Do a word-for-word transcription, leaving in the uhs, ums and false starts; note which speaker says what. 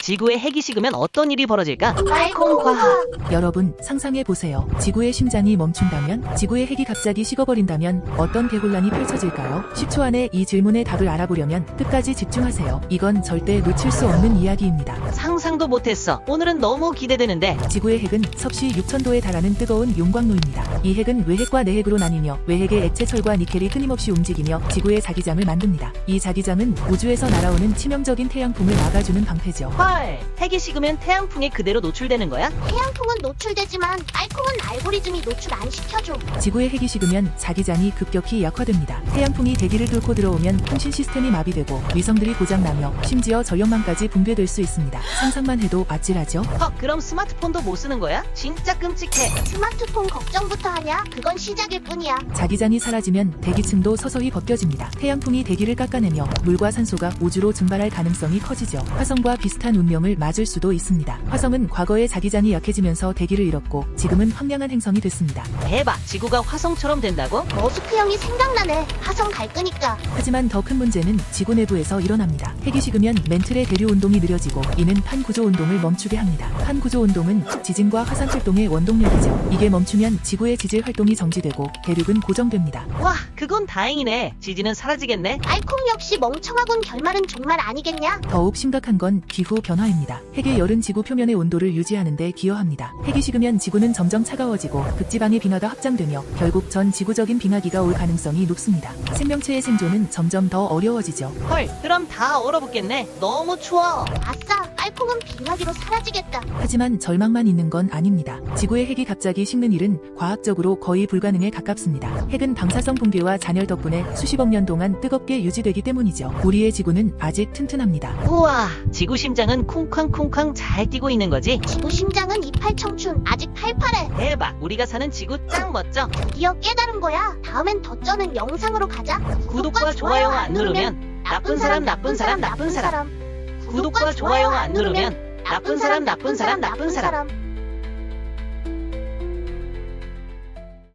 Speaker 1: 지구에 핵이 식으면 어떤 일이 벌어질까?
Speaker 2: 알콩과학. 여러분 상상해보세요. 지구의 심장이 멈춘다면? 지구의 핵이 갑자기 식어버린다면 어떤 대혼란이 펼쳐질까요? 십 초 안에 이 질문의 답을 알아보려면 끝까지 집중하세요. 이건 절대 놓칠 수 없는 이야기입니다.
Speaker 1: 상상도 못했어. 오늘은 너무 기대되는데.
Speaker 2: 지구의 핵은 섭씨 육천 도에 달하는 뜨거운 용광로입니다. 이 핵은 외핵과 내핵으로 나뉘며 외핵의 액체 철과 니켈이 끊임없이 움직이며 지구의 자기장을 만듭니다. 이 자기장은 우주에서 날아오는 치명적인 태양풍을 막아주는 방패죠.
Speaker 1: 헐, 핵이 식으면 태양풍에 그대로 노출되는 거야?
Speaker 3: 태양풍은 노출되지만 알콩은 알고리즘이 노출 안 시켜줘.
Speaker 2: 지구의 핵이 식으면 자기장이 급격히 약화됩니다. 태양풍이 대기를 뚫고 들어오면 통신 시스템이 마비되고 위성들이 고장나며 심지어 전력망까지 붕괴될 수 있습니다. 상상만 해도 아찔하죠?
Speaker 1: 헉, 그럼 스마트폰도 못 쓰는 거야? 진짜 끔찍해.
Speaker 3: 스마트폰 걱정부터 하냐? 그건 시작일 뿐이야.
Speaker 2: 자기장이 사라지면 대기층도 서서히 벗겨집니다. 태양풍이 대기를 깎아내며 물과 산소가 우주로 증발할 가능성이 커지죠. 화성과 비슷한 운명을 맞을 수도 있습니다. 화성은 과거에 자기장이 약해지면서 대기를 잃었고 지금은 황량한 행성이 됐습니다.
Speaker 1: 대박, 지구가 화성처럼 된다고?
Speaker 3: 머스크 형이 생각나네. 화성 갈 거니까.
Speaker 2: 하지만 더 큰 문제는 지구 내부에서 일어납니다. 핵이 식으면 멘틀의 대류 운동이 느려지고 이는 판구조 운동을 멈추게 합니다. 판구조 운동은 지진과 화산 활동의 원동력이죠. 이게 멈추면 지구의 지질 활동이 정지되고 대륙은 고정됩니다.
Speaker 1: 와, 그건 다행이네. 지진은 사라지겠네.
Speaker 3: 알콩 역시 멍청하군. 결말은 정말 아니겠냐?
Speaker 2: 더욱 심각한 건 기후 변화입니다. 핵의 열은 지구 표면의 온도를 유지하는 데 기여합니다. 핵이 식으면 지구는 점점 차가워지고 극지방의 빙하가 확장되며 결국 전 지구적인 빙하기가 올 가능성이 높습니다. 생명체의 생존은 점점 더 어려워지죠.
Speaker 1: 헐, 그럼 다 얼어붙겠네. 너무 추워.
Speaker 3: 아싸, 알콩은 빙하기로 사라지겠다.
Speaker 2: 하지만 절망만 있는 건 아닙니다. 지구의 핵이 갑자기 식는 일은 과학적으로 거의 불가능에 가깝습니다. 핵은 방사성 붕괴와 잔열 덕분에 수십억 년 동안 뜨겁게 유지되기 때문이죠. 우리의 지구는 아직 튼튼합니다.
Speaker 1: 우와, 지구 심장은 쿵쾅쿵쾅 잘 뛰고 있는 거지?
Speaker 3: 지구 심장은 이팔 청춘. 아직 팔팔해.
Speaker 1: 대박, 우리가 사는 지구 짱 멋져.
Speaker 3: 드디어 깨달은 거야. 다음엔 더 쩌는 영상으로 가자.
Speaker 1: 구독과 좋아요 안 누르면 나쁜 사람 나쁜 사람 나쁜 사람. 구독과 좋아요 안 누르면 나쁜 사람 나쁜 사람 나쁜 사람.